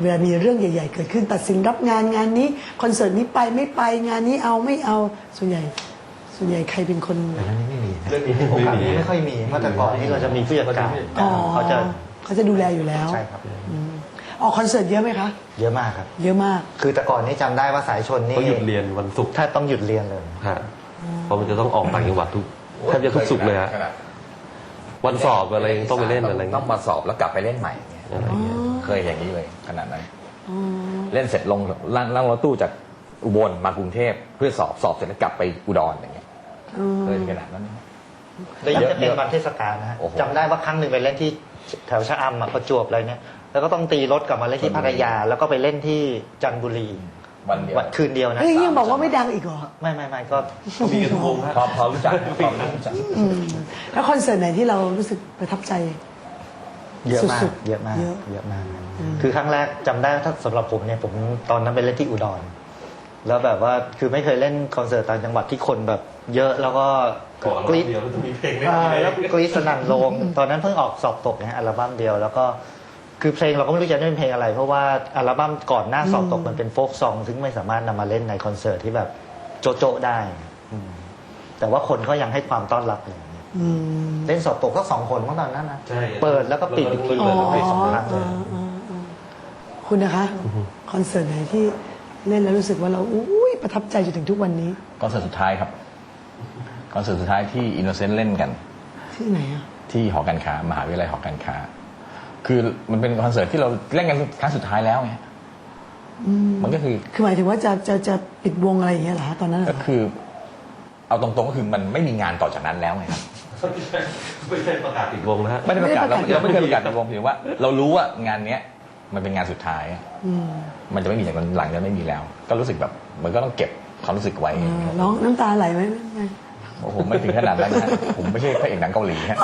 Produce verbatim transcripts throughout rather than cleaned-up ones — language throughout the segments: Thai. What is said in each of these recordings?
ลามีเรื่องใหญ่ๆเกิดขึ้นตัดสินรับงานงานนี้คอนเสิร์ตนี้ไปไม่ไปงานนี้เอาไม่เอาส่วนใหญ่ส่วนใหญ่ใครเป็นคนแต่นั้นไม่มีนะเรื่องนี้โอกาสนี้ไม่ค่อยมีเมื่อแต่ก่อนนี่เราจะมีผู้จัดการอ๋อเขาจะเขาจะดูแลอยู่แล้วใช่ครับอืมออกคอนเสิร์ตเยอะไหมคะเยอะมากครับเยอะมากคือแต่ก่อนนี่จำได้ว่าสายชนนี่ต้องหยุดเรียนวันศุกร์ถ้าต้องหยุดเรียนเลยฮะเพราะมันจะต้องออกต่างจังหวัดทุกแทบจะทุกศุกร์เลยฮะวันสอบอะไรยังต้องไปเล่นอะไรต้เงี้อย งมาสอบแล้วกลับไปเล่นใหม่เนี่ยอะไรเงี้ยเคยอย่างนี้เลยขนาดนั้นอ๋อเล่นเสร็จลงนั่งนั่งรถตู้จากอุบลมากรุงเทพเพื่อสอบสอบเสร็จแล้วกลับไปอุดรอย่างเงี้ยอืมเคยขนาดนั้นแล้วยังจะเป็นวันเทศกาลนะฮะโอ้โหจำได้ว่าครั้งหนึ่งไปเล่นที่แถวชะอำอะประจวบอะไรเนี่ยแล้วก็ต้องตีรถกลับมาเล่นที่พัทยา แล้วก็ไปเล่นที่จันทบุรีวันเดียววันคืนเดียวนะเฮ้ยยังบอกว่าไม่ดังอีกเหรอไม่ไม่ไม่ก็มีกันทุกวงฮะพอพอรู้จักพอรู้จักอืมแล้วคอนเสิร์ตไหนที่เรารู้สึกประทับใจเยอะมากสุดๆเยอะมากเยอะเยอะมาก คือครั้งแรกจำได้ถ้าสำหรับผมเนี่ยผมตอนนั้นไปเล่นที่อุดร แล้วแบบว่าคือไม่เคยเล่นคอนเสิร์ตต่างจังหวัดที่คนแบบเยอะแล้วก็ก่อนกรี๊ดเดียวแล้วจะมีเพลงเล่นอ่าอะไรแล้วกรี๊ดสนั่นโรงตอนนั้นเพิ่งออกสอบตกนะฮะอัลบั้มเดียวแล้วก็คือเพลงเราก็ไม่รู้จะเล่นเพลงอะไร เพราะว่าอัลบั้มก่อนหน้าสอบตกมันเป็นโฟกซองซึ่งไม่สามารถนำมาเล่นในคอนเสิร์ตที่แบบโจ๊ะๆได้อืมแต่ว่าคนก็ยังให้ความต้อนรับเลยอืมเล่นสอบตกก็สองคนเมื่อตอนนั้นนะใช่เปิดแล้วก็ปิดอีกทีอ๋อเปิดแล้วปิดสองครั้งเลยอ๋ออ๋ออ๋อคุณนะคะคอนเสิร์ตไหนที่เล่นแล้วรู้สึกว่าเราอุ้ยประทับใจจนถึงทุกวันนี้คอนเสิร์ตสุดท้ายครับคอนเสิร์ตสุดท้ายที่อินโนเซนต์เล่นกันที่ไหนอ่ะที่หอการค้ามหาวิทยาลัยหอการค้า คือมันเป็นคอนเสิร์ตที่เราเล่นกันครั้งสุดท้ายแล้วไงมันก็คือคือหมายถึงว่าจะจะจะปิดวงอะไรอย่างเงี้ยเหรอฮะตอนนั้นเหรก็อคือ เอาตรงๆก็คือมันไม่มีงานต่อจากนั้นแล้วไงครับไม่ใช่ประกาศปิดวงนะฮะไม่ได้ประกาศเราเราไม่เคยประกาศในวงเพียงว่า เรารู้ว่างานเนี้ยมันเป็นงานสุดท้ายอืมมันจะไม่มีจากนั้นหลังจะไม่มีแล้ว ก็รู้สึกแบบมันก็ต้องเก็บความรู้สึกไว้อ่าร้องน้ำตาไหลไหมไม่โอ้โหไม่ถึงขนาดนั้นนะผมไม่ใช่พระเอกหนังเกาหลีฮะ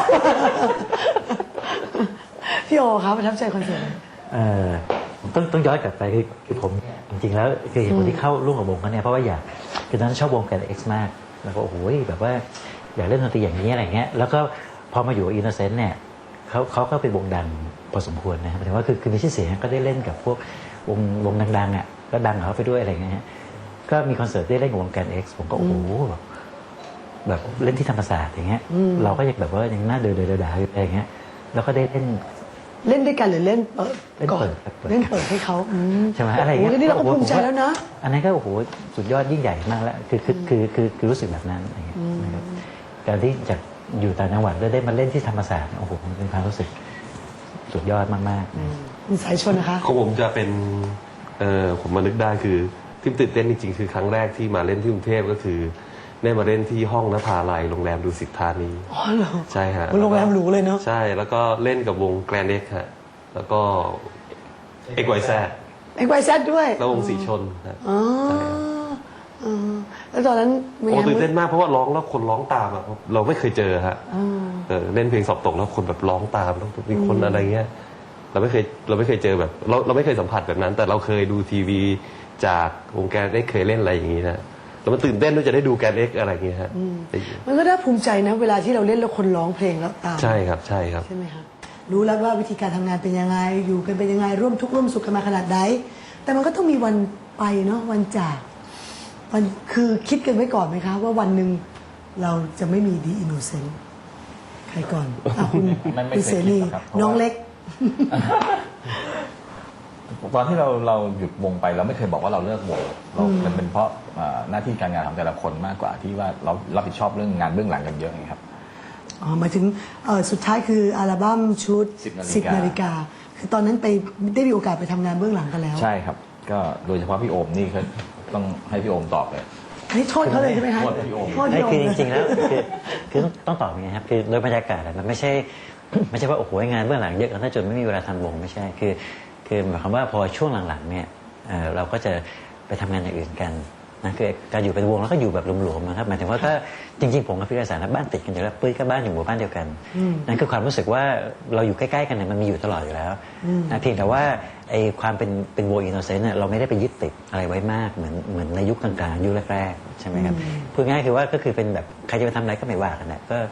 พี่โอครับประทับใจคอนเสิร์ตไหนเอ่อผมต้องต้องย้อนกลับไปคือคือผมจริงๆแล้วคือเหตุผลที่เข้าร่วมกับวงเขาเนี่ยเพราะว่าอยากคือตอนนั้นชอบวงแกนเอ็กซ์มากแล้วก็โอ้โหแบบว่าอยากเล่นดนตรีอย่างนี้อะไรเงี้ยแล้วก็พอมาอยู่อินโนเซนต์เนี่ยเขาเขาก็เป็นวงดังพอสมควรนะหมายถึงว่าคือคือมีชื่อเสียงก็ได้เล่นกับพวกวงวงดังๆอ่ะก็ดังกับเขาไปด้วยอะไรเงี้ยก็มีคอนเสิร์ตได้เล่นกับวงแกนเอ็กซ์ผมก็โอ้โหแบบแบบเล่นที่ธรรมศาสตร์อย่างเงี้ยเราก็ยังแบบว่ายังน่าเดือดเดือดด่าอยู่อะไรเงี้ยแล้วก็ได้เล่นเล่นด้วยกันหรือเล่นเปิดเล่นก่อนเปิดครับเปิดเล่นเปิดให้เขาอืมใช่ไหมอะไรอย่างโอ้เงี้ยยนี่เราก็ภูมิใจแล้วนะอันนั้นก็โอ้โหสุดยอดยิ่งใหญ่มากแล้วคือคือคือคือคือรู้สึกแบบนั้นอะไรเงี้ยนะครับการที่จากอยู่ต่างจังหวัดแล้วได้มาเล่นที่ธรรมศาสตร์โอ้โหมันเป็นความรู้สึกสุดยอดมากๆนะมีสายชนนะคะของผมจะเป็นเออผมมานึกได้คือที่ตื่นเต้นจริงๆคือครั้งแรกที่มาเล่นที่กรุงเทพก็คือได้มาเล่นที่ห้องนภาลัยโรงแรมดุสิตธานีอ๋อเหรอใช่ฮะโรงแรมหรูเลยเนาะใช่แล้วก็เล่นกับวงแกรนเด็กฮะแล้วก็เอกไวแซดเอ็กไวแซดด้วยแล้ววงสีชนฮะอ๋ออ๋อแล้วตอนนั้นเป็นโอ้ไงตื่นเต้นมากเพราะว่าร้องแล้วคนร้องตามอะเราไม่เคยเจอฮะอ๋อเออเล่นเพลงสอบตกแล้วคนแบบร้องตามแล้วมีคนอะไรเงี้ยเราไม่เคยเราไม่เคยเจอแบบเราเราไม่เคยสัมผัสแบบนั้น แต่เราเคยดูทีวีจากวงแกนได้เคยเล่นอะไรอย่างงี้นะแล้วมันตื่นเต้นด้วยจะได้ดูแกนเอ็กอะไรอย่างเงี้ยฮะมันก็น่าภูมิใจนะ เวลาที่เราเล่นแล้วคนร้องเพลงแล้วตามใช่ครับใช่ครับใช่ไหมคะรู้แล้วว่าวิธีการทำงานเป็นยังไงอยู่กันเป็นยังไงร่วมทุกข์ร่วมสุขกันมาขนาดไหนแต่มันก็ต้องมีวันไปเนาะวันจากวันคือคิดกันไว้ก่อนไหมคะ ว่าวันหนึ่งเราจะไม่มีดีอินโนเซนต์ใครก่อนอ่ะคุณไม่ไม่คุณเคยเสรีคิดหรอกครับเพราะว่าน้องเล็กตอนที่เราเราหยุดวงไปเราไม่เคยบอกว่าเราเลิกวงเรามันเป็นเพราะอ่าหน้าที่การงานของแต่ละคนมากกว่าที่ว่าเรารับผิดชอบเรื่องงานเบื้องหลังกันเยอะไงครับอ๋อหมายถึงเอ่อสุดท้ายคืออัลบั้มชุดสิบนาฬิกาสิบนาฬิกาคือตอนนั้นไปได้มีโอกาสไปทำงานเบื้องหลังกันแล้วใช่ครับ ก็โดยเฉพาะพี่โอมนี่ก็ต้องให้พี่โอมตอบเลยอันนี้โทษเขาเลยใช่ไหมคะโทษพี่โอมโทษไม่พี่โอมคือจเลยริงๆแล้วคือคือต้องต้องตอบอย่างนี้ครับคือโดยบรรยากาศอะมันไม่ใช่ ไม่ใช่ว่าโอ้โหงานเบื้องหลังเยอะกันถ้าจนไม่มีเวลาทำวงไม่ใช่คือคือหมายความว่าพอช่วงหลังๆเนี่ยเอ่อเราก็จะไปทำงานอย่างอื่นกันนะคือการอยู่เป็นวงแล้วก็อยู่แบบหลวมๆนะครับหมายถึงว่าก็จริงๆผมกับพี่รัศนบ้านติดกันอยู่แล้วปุ้ยก็บ้านอยู่หมู่บ้านเดียวกันนั่นคือความรู้สึกว่าเราอยู่ใกล้ๆกันเนี่ยมันมีอยู่ตลอดอยู่แล้วนะเพียงแต่ว่าไอ้ความเป็นเป็นวงอินโนเซนต์เนี่ยเราไม่ได้ไปยึดติดอะไรไว้มากเหมือนเหมือนในยุคกลางๆยุคแรกๆใช่ไหมครับพูดง่ายๆคือว่าก็คือเป็นแบบใครจะไปทำอะไรก็ไม่ว่ากันนะก็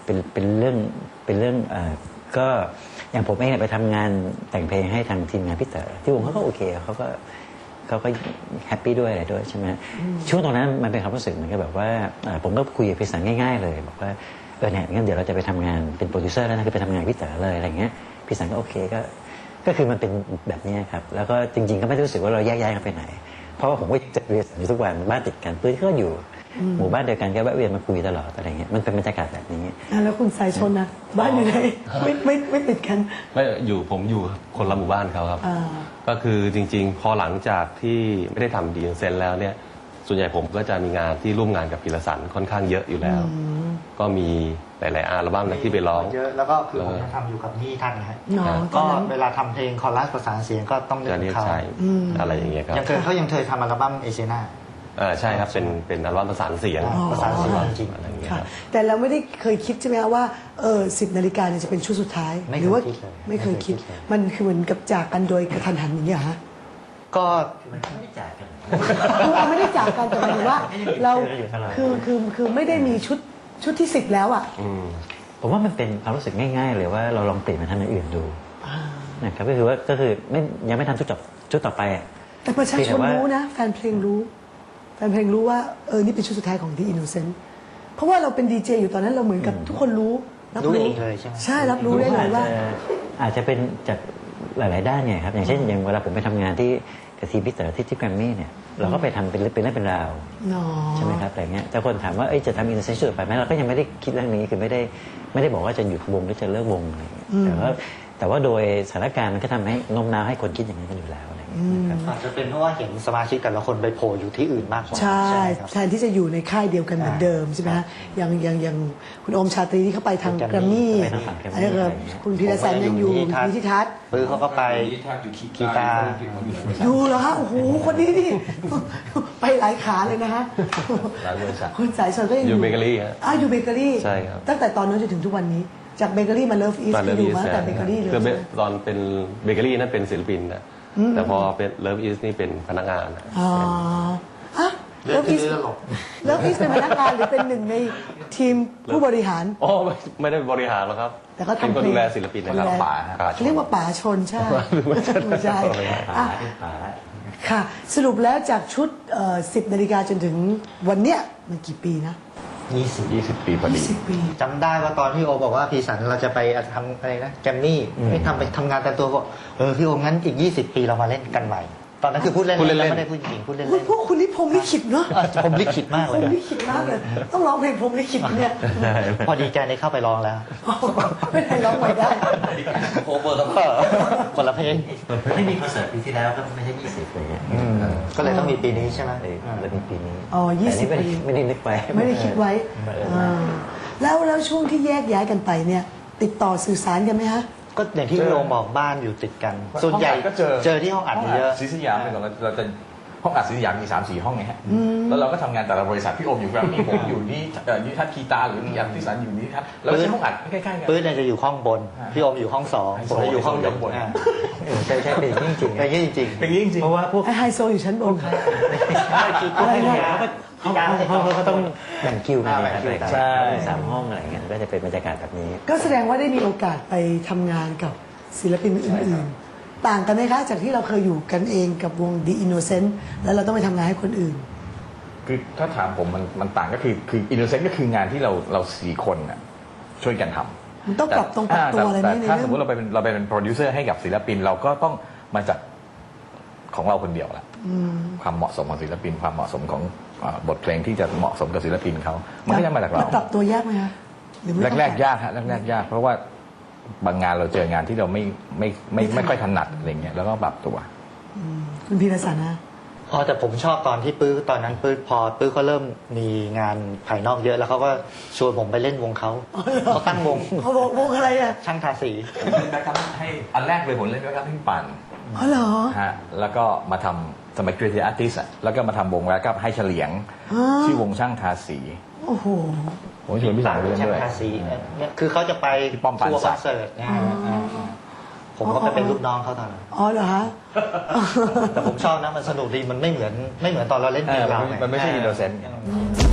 เป็นเป็นเรื่องเป็นเรื่องเอ่อก็อย่างผมเองเนี่ยไปทำงานแต่งเพลงให้ทางทีมงานพี่เต๋อที่วงเขาก็โอเคเขาก็เขาก็แฮปปี้ด้วยอะไรด้วยใช่ไหมช่วงตรงนั้นมันเป็นความรู้สึกเหมือนกับแบบว่าเอ่อผมก็คุยกับพี่สันง่ายๆเลยบอกว่าเออเนี่ยงั้นเดี๋ยวเราจะไปทำงานเป็นโปรดิวเซอร์แล้วนะคือไปทำงานพี่เต๋อเลยอะไรเงี้ยพี่สันก็โอเคก็ก็คือมันเป็นแบบนี้ครับแล้วก็จริงๆก็ไม่ได้รู้สึกว่าเราแยกย้ายกันไปไหนเพราะว่าผมก็จะเรียนอยู่ทุกวันบ้านติดกันปื้นก็อยู่หมู่บ้านเดียวกันก็แวะเวียนมาคุยตลอดอะไรเงี้ยมันเป็นบรรยากาศแบบนี้อ่ะแล้วคุณสายชนนะบ้านอยู่ไหนไม่ไม่ไม่ติดกันไม่อยู่ผมอยู่คนละหมู่บ้านเขาครับอ่าก็คือจริง ๆ พอหลังจากที่ไม่ได้ทำดีเซนแล้วเนี่ยส่วนใหญ่ผมก็จะมีงานที่ร่วมงานกับพีรสันค่อนข้างเยอะอยู่แล้ว ก็มีหลายๆอัลบั้มนะที่ไปร้องเยอะแล้วก็คือผมยังทำอยู่กับนี่ท่านนะฮะเนาะตอก็นนั้นเวลาทำเพลงคอรัสประสานเสียงก็ต้องนึกจะถึเรียงกเขาใช้อะไรอย่างเงี้ยครับยังเคยเขายังเคยทำอัลบั้มเอเชียนาอ่าใช่ครับเป็นเป็นอัลบั้มประสานเสียงอ๋อประสานเสียงจริงอะไรอย่างเงี้ยค่ะครับแต่เราไม่ได้เคยคิดใช่ไหมคะว่าเออสิบนาฬิกาเนี่ยจะเป็นชุดสุดท้ายไม่หเคยรืว่าคิดเลยไม่เคยคิดไม่เคยคิดเลยมันคือเหมือนกับจากกันโดยกระทันหันอย่างเงี้ยเหรอฮะก็มันไม่ได้จ่ายกันคือเราไม่ได้จากกันแต่หมายถึงว่า เราไม่ได้อยู่ตลอดคือคือคือไม่ได้มีชุดชุดที่สิบแล้วอ่ะอืมผมว่ามันเป็นความรู้สึกง่ายๆเลยว่าเราลองเปลี่ยนมาทำอย่างอื่นดูนะครับก็คือว่าก็คือไม่ยังไม่ทำชุดต่อชุดต่อไปอะแต่ประชาชนเพียงแต่ว่ารู้นะ แฟนเพลงรู้ แฟนเพลงรู้ว่าเออนี่เป็นชุดสุดท้ายของ The Innocent เพราะว่าเราเป็นดีเจอยู่ตอนนั้นเราเหมือนกับทุกคนรู้รับรู้เองเลยใช่ไหมใช่รับรู้ได้เลยว่าอจจะอาจจะเป็นจากหลาย ๆ ด้านเนี่ยครับอย่างเช่นอย่างเวลาผมไปทำงานที่กับทีมพี่เต๋อที่ที่แกรมมี่เนี่ยเราก็ไปทำเป็นเรื่องเป็นเรื่องเป็นราวเนาะใช่ไหมครับอะไรเงี้ยแต่คนถามว่าเอ้ยจะทำอินเตอร์เซนชั่นไปไหมเราก็ยังไม่ได้คิดเรื่องนี้คือไม่ได้ไม่ได้บอกว่าจะหยุดวงหรือจะเลิกวงอะไรเงี้ยแต่ว่าแต่ว่าโดยสถานการณ์มันก็ทำให้โน้มน้าวให้คนคิดอย่างนั้นกันอยู่แล้วอะไรเงี้ยนะครับอาจจะเป็นเพราะว่าเห็นสมาชิกแต่ละคนไปโผล่อยู่ที่อื่นมากกว่าใช่ไหมครับแทนที่จะอยู่ในค่ายเดียวกันเหมือนเดิมใช่ไหมฮะอย่างอย่างอย่างคุณโอมชาตรีที่เขาไปทางแกแกรรมมมี่มี่ไปทางฝั่งแกรมมี่อะไรก็คุณพีรสันยังอยู่อยู่ที่ทัศน์ปื้อเขาก็ไปกีตาร์อยู่เหรอฮะโอ้โหคนนี้นี่ ไปหลายขาเลยนะฮะหลายบริษัทคุณสายชนก็ยังอยู่เบเกอรี่ฮะอ่ะอยู่เบเกอรี่ใช่ครับตั้งแต่ตอนนั้นจนถึงทุกวันนี้ จากเบเกอรี่มาเลิฟอีสมาก็เลิฟอยู่อีสมาตั้งแต่เบเกอรี่เลยคือใช่ไหมตอนเป็นเบเกอรี่นั่นเป็นศิลปินนะแต่พอเป็นเลิฟอีสนี่เป็นพนักงานนะอ๋ออ่ะเลืเลิอกฟอีที่สตลกเลิฟอีสเป็นพนักงานหรือเป็นหนึ่งในทีมผู้บริหารอ๋อไม่ไม่ได้บริหารหรอกครับแต่ก็ทำเป็นคนเพลงดูแลศิลปินนะครับดูแลป่าป่าชนเรียกว่าป๋าชนใช่ไม่ใช่ป๋าอ่ะเป็นป๋าค่ะ สรุปแล้วจากชุดสิบนาฬิกาจนถึงวันเนี้ยมันกี่ปีนะยี่สิบยี่สิบปีพอดีสิบปีจำได้ว่าตอนพี่โอบอกว่าพี่สันเราจะไปทำอะไรนะแกรมมี่ไม่ทำไปทำงานแต่ตัวบอกเออพี่โองั้นอีกยี่สิบปีเรามาเล่นกันใหม่ ตอนนั้นคือพูดเล่นพูดเล่นๆแล้วไม่ได้พูดจริงพูดเล่นคุณพวกคุณนี่พรหมลิขิตเนาะๆผมลิขิตมากพเลรยหมนะลิขิตมากเลย ต้องร้องเพลงพรหมลิขิตเนี่ยพอดีใจในเข้าไปร้องแล้วไม่ได้ร้องไม่ได้โอเวอร์คนละเพลงไม่มีคอนเสิร์ตปีที่แล้วก็ไม่ใช่ยี่สิบเลยเนี่ยก็เลยต้องมีปีนี้ใช่ไหมเลยเลยมีปีนี้อ๋อยี่สิบแต่ปีนี่ไม่ได้ไม่ได้นึกไว้ไม่ได้คิดไว้อ่าแล้วแล้วช่วงที่แยกย้ายกันไปเนี่ย ติดต่อสื่อสารกันไหมฮะก็อย่างที่พี่โอบอกบ้านอยู่ติดกัน ส่วนใหญ่ห้องอัดก็เจอเจอที่ห้องอัดเยอะศรีสยามเนี่ยเราเราจะห้องอัดศรีสยามมีสามสี่ห้องไงฮะแล้วเราก็ทำงานแต่ละบริษัทพี่โอมอยู่แกรมมี่ผมอยู่นี่เอ่อนิทัศน์คีตาหรือที่อัดที่สันอยู่นี่ทัศน์เราใช้ห้องอัดใกล้ๆกันปื้ดเนี่ยจะอยู่ห้องบน พี่โอมอยู่ห้องสองผมจะอยู่ห้องไฮโซอยู่ข้างบนอ่าเออใช่ใช่เป็นอย่างนี้จริงๆเป็นอย่างนี้จริงเป็นอย่างนี้จริงเพราะว่าพวกไอไฮโซอยู่ชั้นบนอะไรเนี่ยเขาก็เขาเขาเขาเขาต้องแบ่งคิวกันนะครับใช่สามห้องอะไรเงี้ยก็จะเป็นบรรยากาศแบบนี้ก็แสดงว่าได้มีโอกาสไปทำงานกับศิลปินอื่นๆ ต่างกันไหมคะ จากที่เราเคยอยู่กันเองกับวง The Innocent แล้วเราต้องไปทำงานให้คนอื่นคือถ้าถามผมมันมันต่างก็คือคืออินโนเซนต์ก็คืองานที่เราเราสี่คนน่ะช่วยกันทำมันต้องปรับตรงปรับตัวอะไรไหมแต่ในถ้าเรื่สองมมติเราไปเป็นเราไปเป็นโปรดิวเซอร์ให้กับศิลปิน เราก็ต้องมาจัดของเราคนเดียวแหละความเหมาะสมของศิลปิน ความเหมาะสมของอ่าบทเพลงที่จะเหมาะสมกับศิลปินเขามันก็จะมาจากเรานปรับตัวยากไหมคะหรือไม่ต้องแรกๆยากฮะแรกๆยาก เพราะว่าบางงานเราเจองานที่เราไม่ไม่ไม่ไม่ค่อยถนัดอะไรเงี้ยแล้วก็ปรับตัวคุณพีรสันนะๆอ๋อแต่ผมชอบตอนที่ปื้อตอนนั้นปื้อพอปื้อเขาเริ่มมีงานภายนอกเยอะแล้วเขาก็ชวนผมไปเล่นวงเขาเขาตั้งวงเขาบอกวงอะไรอ่ะช่างทาสีแบ็คอัพให้อันแรกเลยผมเล่นแบ็คอัพให้พี่ปั่นอ๋อเหรอฮะแล้วก็มาทำสมัย Creative Artist อ่ะแล้วก็มาทำวงแบ็คอัพให้เฉลียงอ๋อชื่อวงช่างทาสีโอ้โหผมชวนพี่สาวไปเล่นช่างด้วยทาสีเนี่ยคือเขาจะไปที่ป้อมปราทัวร์ศคอนเสิร์ตนะฮะอ่าๆผมก็ไปเป็นลูกน้องเขาตอนนั้นอ๋อเหรอฮะแต่ผมชอบนะมันสนุกดีมันไม่เหมือนไม่เหมือนตอนเราเล่นเอเพลองเรามันไงมันไม่ใช่อินโนเซนต์อืม